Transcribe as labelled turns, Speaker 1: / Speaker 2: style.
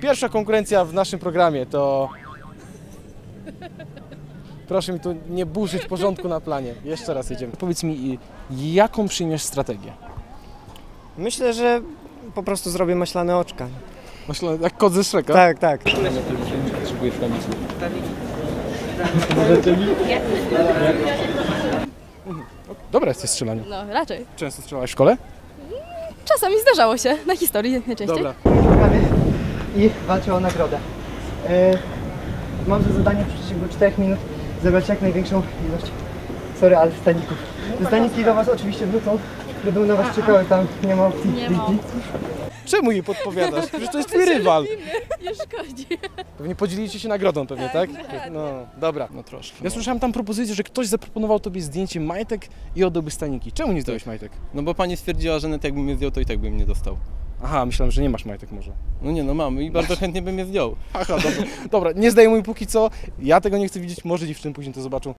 Speaker 1: Pierwsza konkurencja w naszym programie to... Proszę mi tu nie burzyć porządku na planie. Jeszcze raz jedziemy. Powiedz mi, jaką przyjmiesz strategię?
Speaker 2: Myślę, że po prostu zrobię maślane oczka.
Speaker 1: Myślę, jak kot ze Shreka?
Speaker 2: Tak, tak.
Speaker 1: Dobra jesteś w strzelaniu.
Speaker 3: No, raczej.
Speaker 1: Często strzelałeś w szkole?
Speaker 3: Czasami zdarzało się, na historii najczęściej.
Speaker 1: Dobra.
Speaker 2: I walczę o nagrodę. Mam za zadanie w przeciągu 4 minut zebrać jak największą ilość, ale staników. Te staniki do was oczywiście wrócą, będą na was czekały, tam nie ma opcji.
Speaker 3: Nie ma opcji.
Speaker 1: Czemu jej podpowiadasz? Przecież to jest twój rywal.
Speaker 3: Nie szkodzi.
Speaker 1: Pewnie podzielicie się nagrodą pewnie, tak? No, dobra.
Speaker 4: No troszkę.
Speaker 1: Ja słyszałem tam propozycję, że ktoś zaproponował tobie zdjęcie majtek i oddałby staniki. Czemu nie zdałeś majtek?
Speaker 4: No bo pani stwierdziła, że nawet jakbym je zdjął, to i tak bym nie dostał.
Speaker 1: Aha, myślałem, że nie masz majtek może.
Speaker 4: No nie, no mam i bardzo chętnie bym je zdjął.
Speaker 1: Aha, dobra. Dobra, nie zdejmuj póki co. Ja tego nie chcę widzieć, może dziewczyny później to zobaczą.